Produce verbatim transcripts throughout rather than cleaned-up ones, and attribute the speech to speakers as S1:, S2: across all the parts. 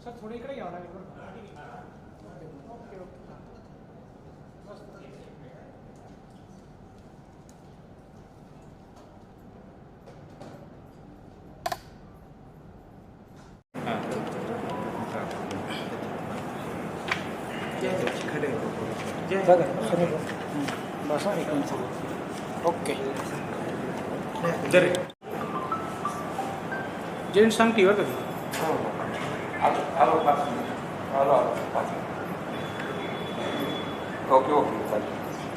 S1: Sir थोडं इकडे घ्यावं लागेल बरं. ओके ओके मस्त. बसा एक मिनिट. ओके जेंट सांगते बरं का.
S2: ओके ओके चालेल.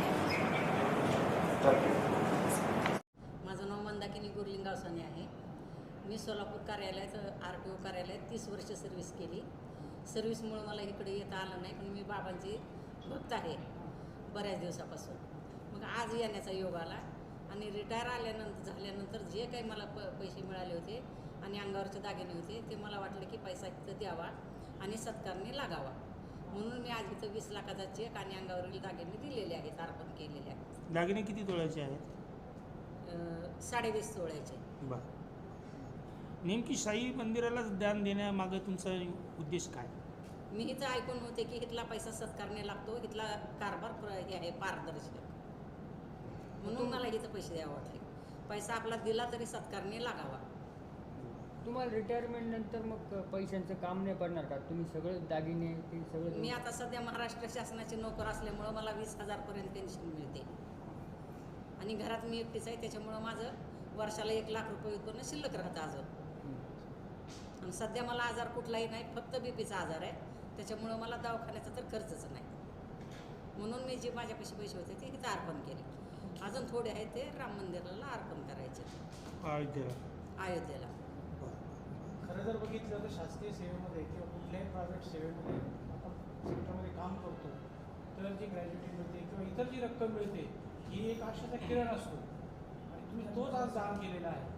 S3: माझं नाव मंदाकिनी गुरलिंग गावसाने आहे. मी सोलापूर कार्यालयात आर टी ओ कार्यालयात तीस वर्ष सर्व्हिस केली. सर्व्हिसमुळं मला इकडे येता आलं नाही, पण मी बाबांची भक्त आहे बऱ्याच दिवसापासून. मग आज येण्याचा योग आला आणि रिटायर आल्यानंतर झाल्यानंतर जे काही मला प पैसे मिळाले होते आणि अंगावरचे दागिने होते ते मला वाटलं की पैसा इथं द्यावा आणि सत्कारने लागावा, म्हणून मी आज इथं वीस लाखाचा चेक आणि अंगावरील दागिने दिलेले आहेत, अर्पण केलेले आहेत.
S1: दागिने किती तोळ्याचे आहेत?
S3: साडेवीस तोळ्याचे.
S1: बरं. नेमकी साई मंदिराला दान देण्यामागं तुमचा उद्देश काय?
S3: मी इथं ऐकून होते की इथला पैसा सत्कारने लागतो, इथला कारभार प्र हे आहे पारदर्शक, म्हणून मला इथं पैसे द्यावे वाटले. पैसा आपला दिला तरी सत्कारने लागावा.
S4: तुम्हाला रिटायरमेंट नंतर मग पैशांचं काम नाही पडणार का? तुम्ही सगळं दागिने ते सगळं.
S3: मी आता सध्या महाराष्ट्र शासनाचे नोकर असल्यामुळं मला वीस हजारपर्यंत पेन्शन मिळते आणि घरात मी एकटीच आहे, त्याच्यामुळं माझं वर्षाला एक लाख रुपये उत्पन्न शिल्लक राहतं अजून. आणि सध्या मला आजार कुठलाही नाही, फक्त बीपीचा आजार आहे, त्याच्यामुळं मला दवाखान्याचा तर खर्चच नाही, म्हणून मी जे माझ्यापाशी पैसे होते ते इथं अर्पण केले. अजून थोडे आहेत ते राम मंदिराला अर्पण करायचे
S1: अयोध्येला.
S3: अयोध्येला.
S5: खरं जर बघितलं तर शासकीय सेवेमध्ये किंवा कुठल्याही प्रायव्हेट सेवेमध्ये आपण सेक्टरमध्ये काम करतो तर जी ग्रॅज्युटी मिळते किंवा इतर जी रक्कम मिळते ही एक आशाचा किरण असतो आणि तुम्ही तोच आज दान केलेला आहे.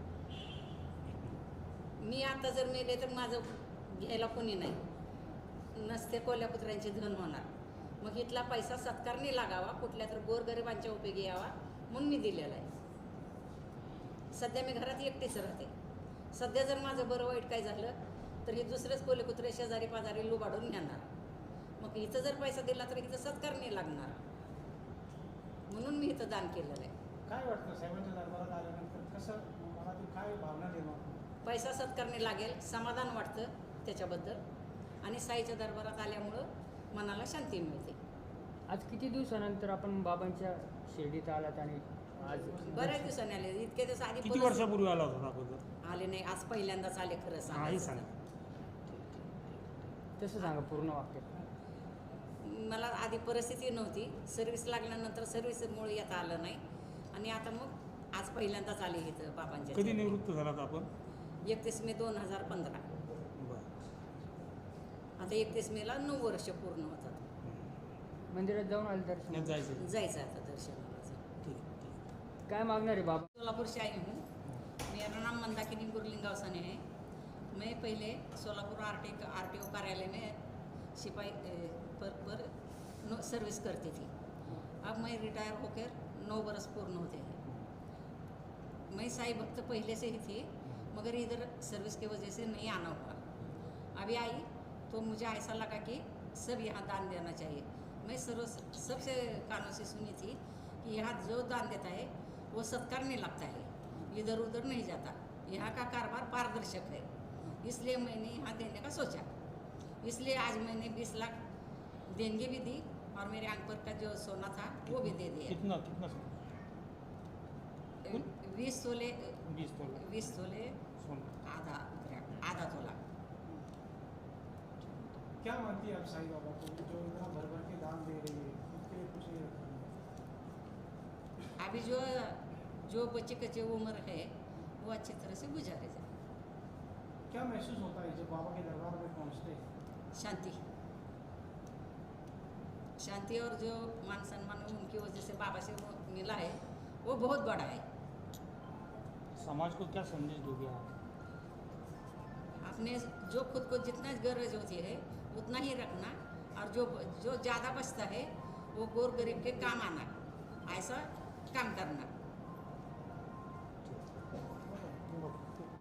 S3: मी आता जर मेले तर माझं घ्यायला कोणी नाही, नसते कोल्हापुत्रांचे धन होणार. मग इथला पैसा सत्कारने लागावा, कुठल्या तर गोरगरिबांच्या उपयोगी यावा, म्हणून मी दिलेला आहे. सध्या मी घरात एकटीच राहते. सध्या जर माझं बरं वाईट काय झालं तर हे दुसरेच कोल्हापुत्रे शेजारी पाजारी लुबाडून घेणार. मग इथं जर पैसा दिला तर इथं सत्कारने लागणार, म्हणून मी इथं दान केलेलं आहे.
S5: काय वाटतं साहेबांच्या दरबारात आल्यानंतर कसं मनातून काय भावना निर्माण?
S3: पैसा सत्कारने लागेल, समाधान वाटतं त्याच्याबद्दल, आणि साईच्या दरबारात आल्यामुळं मनाला शांती मिळते.
S4: आज किती दिवसानंतर आपण बाबांच्या शिर्डीत आलात आणि आज
S3: बऱ्याच दिवसांनी आले. इतके दिवस आधी
S1: किती वर्षापूर्वी आला होता अगोदर?
S3: आले नाही, आज पहिल्यांदाच आले. खरं
S1: नाही
S3: सांगा,
S1: सांगा.
S4: तसं सांगा पूर्ण वाक्य.
S3: मला आधी परिस्थिती नव्हती, सर्व्हिस लागल्यानंतर सर्व्हिसमुळे येता आलं नाही, आणि आता मग आज पहिल्यांदाच आले इथं बाबांच्या.
S1: कधी निवृत्त झालात आपण?
S3: एकतीस मे दोन हजार पंधरा. आता एकतीस मेला नऊ वर्ष पूर्ण होतात.
S4: मंदिरात जाऊन आले दर्शन
S1: जायचं.
S3: जायचं आता दर्शनाला.
S4: ठीक. काय मागणार आहे बाबा?
S3: सोलापुर से आई हूँ. मेरा नाम मंदाकिनी गुरलिंग गावसाने है. मैं पहले Solapur R T R T O कार्यालय में सिपाही पर पर नो सर्विस करती थी. अब मैं रिटायर होकर नौ बरस पूर्ण होते हैं. मैं साई भक्त पहले से ही थी, मगर इधर सर्विस की वजह से नहीं आना हुआ. अभी आई तो मुझे ऐसा लगा कि सब यहाँ दान देना चाहिए. मैं सर्व सबसे कानों से सुनी थी कि यहाँ जो दान देता है वो सत्कारने लगता है, इधर उधर नहीं जाता. यहाँ का कारोबार पारदर्शक है, इसलिए मैंने यहाँ देने का सोचा. इसलिए आज मैंने बीस लाख देंगे भी दी और मेरे अंक पर का जो सोना था वो भी दे दिया.
S1: कितना कितना
S3: बीस तोले
S1: बीस तोला
S3: बीस तोले
S1: सोना.
S3: आधा आधा तोला.
S5: क्या मानती है आप साई बाबा को जो इतना भर भर के दान दे रही है, उसके लिए कुछ नहीं रखा?
S3: अभी जो जो बच्चे कच्चे उम्र है वो अच्छी तरह से गुजारे जाए.
S5: क्या महसूस होता है जब बाबा के दरबार में पहुंचते हैं?
S3: शांति शांति और जो मान सम्मान उनकी वजह से बाबा से वो मिला है वो बहुत बड़ा है.
S1: समाज को क्या संदेश दोगे आप?
S3: अपने जो खुद को जितना गरज होती है उतना ही रखना, और जो जो ज़्यादा बचता है वो गोर गरीब के काम आना, ऐसा काम करना.